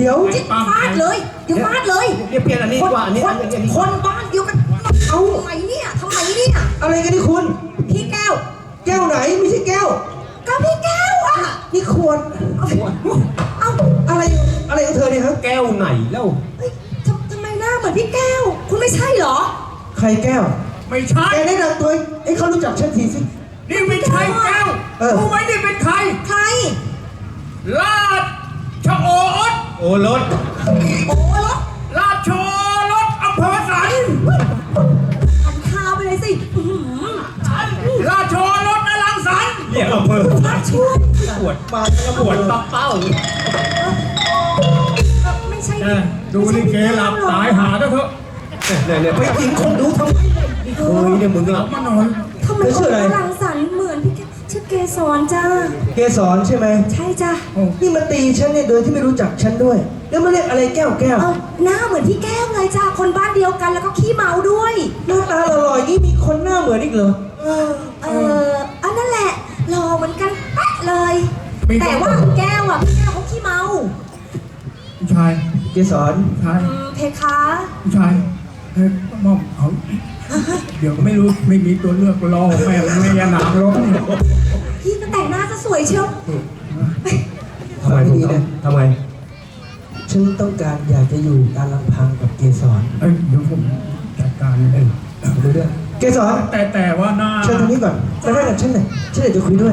ดี๋ยวฟาดเลยเดี๋ยวฟาดเลยเดี๋ยวเปลี่ยนอันนี้ดีกว่าอันนี้คนบ้านเดียวกันเอาทำไมเนี่ยอะไรกันนี่คุณพี่แก้วแก้วไหนไม่ใช่แก้วก็พี่แก้วอ่ะนี่ขวดเอาอะไรของเธอเนี่ยฮะแก้วไหนแล้วทำไมหน้าเหมือนพี่แก้วคุณไม่ใช่เหรอใครแก้วไม่ใช่แกแนะนำตัวให้เขารู้จักฉันทีสินี่ไม่ใช่แก้วรู้ไหมนี่เป็นใครราชโอรสโอ้รถราชโอรสอำเภอสันหันข้าวไปเลยสิราชโอรสอลังสันเรียกอำเภอช่วยปวดมาปวดตับเป้าไม่ใช่ดูนี่เกหลับตายหาเถอะเนี่ยไปกินคนดูทำไมเฮ้ยเนี่ยมึงหลับมานอนทำไมคนอลังสันเหมือนพี่แก้วชื่อเกสรจ้าเกสรใช่ไหมใช่จ้านี่มาตีฉันเนี่ยโดยที่ไม่รู้จักฉันด้วยแล้วมาเรียกอะไรแก้วหน้าเหมือนพี่แก้วเลยจ้าคนบ้านเดียวกันแล้วก็ขี้เมาด้วยหน้าตาหล่อๆนี่มีคนหน้าเหมือนอีกเหรออันนั่นแหละหล่อเหมือนกันแป๊ะเลยแต่ว่าแก้วอ่ะพี่แก้วเขาขี้เมาชายเกสรชายเพคะชายมอมเขาเดี๋ยวไม่รู้ไม่มีตัวเลือกรอแม่ยานางรถพี่ก็แต่งหน้าจะสวยเชียวทำไมดีเนี่ยทำไมฉันต้องการอยากจะอยู่ตามลำพังกับเกสรเดี๋ยวผมจัดการดูด้วยเกสรแต่ว่าหน้าเชิญตรงนี้ก่อนมาได้กับฉันหน่อยฉันอยากจะคุยด้วย